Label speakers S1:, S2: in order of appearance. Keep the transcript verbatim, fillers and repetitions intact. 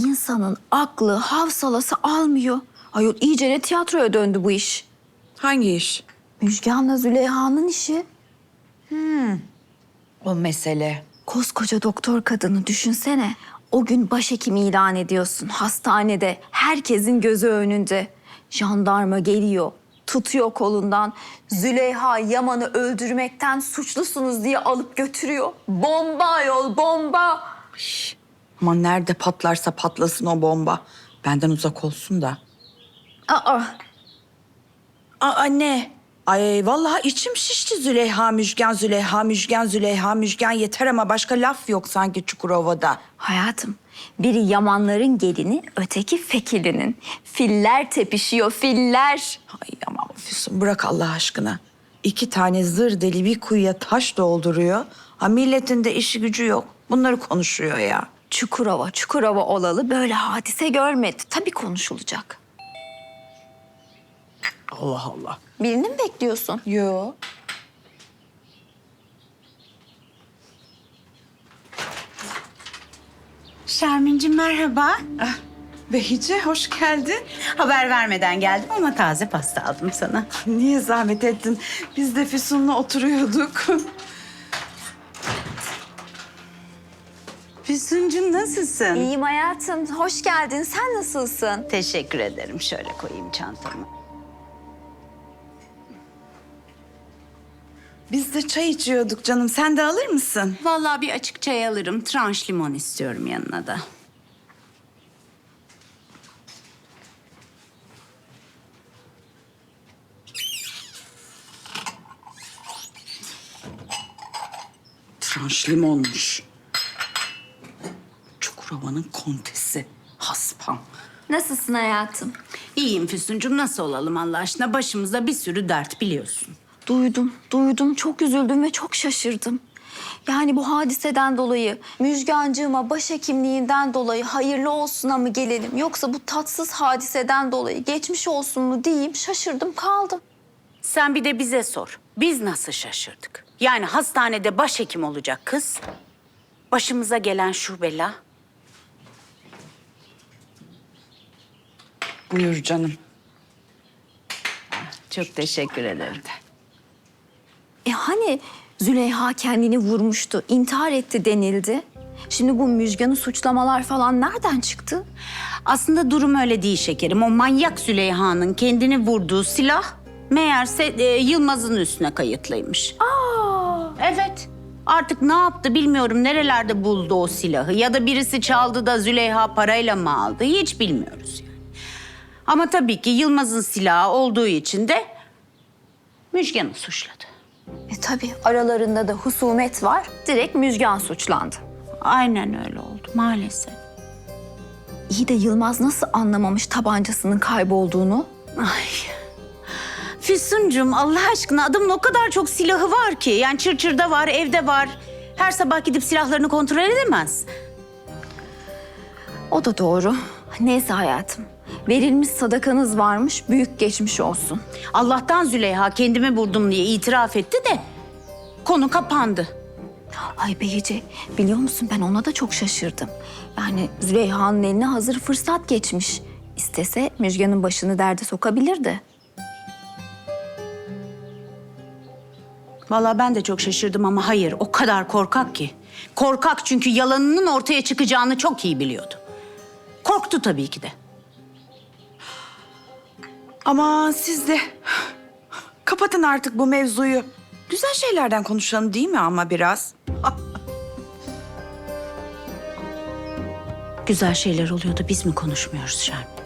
S1: insanın aklı, havsalası almıyor. Ayol iyice ne tiyatroya döndü bu iş.
S2: Hangi iş?
S1: Müjgan'la Züleyha'nın işi.
S2: O mesele.
S1: Koskoca doktor kadını düşünsene. O gün başhekim ilan ediyorsun hastanede. Herkesin gözü önünde. Jandarma geliyor, tutuyor kolundan. Züleyha Yaman'ı öldürmekten suçlusunuz diye alıp götürüyor. Bomba ayol, bomba.
S2: Ama nerede patlarsa patlasın o bomba. Benden uzak olsun da.
S1: Aa,
S2: Aa ne? Ay vallahi içim şişti Züleyha Müjgan, Züleyha Müjgan, Züleyha Müjgan yeter ama başka laf yok sanki Çukurova'da.
S1: hayatım, biri Yamanların gelini, öteki Fekili'nin. Filler tepişiyor, filler.
S2: Ay aman Füsun bırak Allah aşkına. İki tane zır deli bir kuyuya taş dolduruyor. Ha milletin de işi gücü yok. Bunları konuşuyor ya.
S1: Çukurova, Çukurova olalı böyle hadise görmedi. Tabii konuşulacak.
S2: Allah Allah.
S1: Birini mi bekliyorsun?
S2: Yo.
S3: Şermin'cim merhaba.
S2: Behice hoş geldin.
S3: Haber vermeden geldim ama taze pasta aldım sana.
S2: Niye zahmet ettin? Biz de Füsun'la oturuyorduk.
S3: Füsun'cum nasılsın?
S1: İyiyim hayatım. Hoş geldin. Sen nasılsın?
S3: Teşekkür ederim. Şöyle koyayım çantamı.
S2: Biz de çay içiyorduk canım. Sen de alır mısın?
S3: Vallahi bir açık çay alırım. Tranş limon istiyorum yanına da.
S2: Tranş limonmuş. Çukurova'nın kontesi. Haspam.
S1: Nasılsın hayatım?
S3: İyiyim Füsun'cum. Nasıl olalım Allah aşkına? Başımızda bir sürü dert biliyorsun.
S1: Duydum, duydum. Çok üzüldüm ve çok şaşırdım. Yani bu hadiseden dolayı, Müjgancığıma başhekimliğinden dolayı hayırlı olsuna mı gelelim? Yoksa bu tatsız hadiseden dolayı geçmiş olsun mu diyeyim, şaşırdım kaldım.
S3: Sen bir de bize sor. Biz nasıl şaşırdık? Yani hastanede başhekim olacak kız. Başımıza gelen şu bela.
S2: Buyur canım.
S3: Çok teşekkür ederim.
S1: E hani Züleyha kendini vurmuştu, intihar etti denildi. Şimdi bu Müjgan'ı suçlamalar falan nereden çıktı?
S3: Aslında durum öyle değil şekerim. O manyak Züleyha'nın kendini vurduğu silah meğerse e, Yılmaz'ın üstüne kayıtlıymış.
S1: Aa,
S3: Evet. Artık ne yaptı bilmiyorum. Nerelerde buldu o silahı? Ya da birisi çaldı da Züleyha parayla mı aldı? Hiç bilmiyoruz yani. Ama tabii ki Yılmaz'ın silahı olduğu için de Müjgan'ı suçladı.
S1: e tabii aralarında da husumet var. Direkt Müjgan suçlandı.
S3: Aynen öyle oldu maalesef.
S1: İyi de Yılmaz nasıl anlamamış tabancasının kaybolduğunu?
S3: Ay. Füsuncum Allah aşkına adamın o kadar çok silahı var ki. Yani Çırçır'da var, evde var. Her sabah gidip silahlarını kontrol edemez.
S1: O da doğru. Neyse hayatım. Verilmiş sadakanız varmış, büyük geçmiş olsun.
S3: Allah'tan Züleyha kendimi vurdum diye itiraf etti de konu kapandı.
S1: Ay Behice, biliyor musun ben ona da çok şaşırdım. Yani Züleyha'nın eline hazır fırsat geçmiş. İstese Müjgan'ın başını derde sokabilirdi.
S3: Vallahi ben de çok şaşırdım ama hayır o kadar korkak ki. Korkak çünkü yalanının ortaya çıkacağını çok iyi biliyordu. Korktu tabii ki de.
S2: Aman siz de kapatın artık bu mevzuyu. Güzel şeylerden konuşalım değil mi ama biraz?
S3: Güzel şeyler oluyor da biz mi konuşmuyoruz Şermin?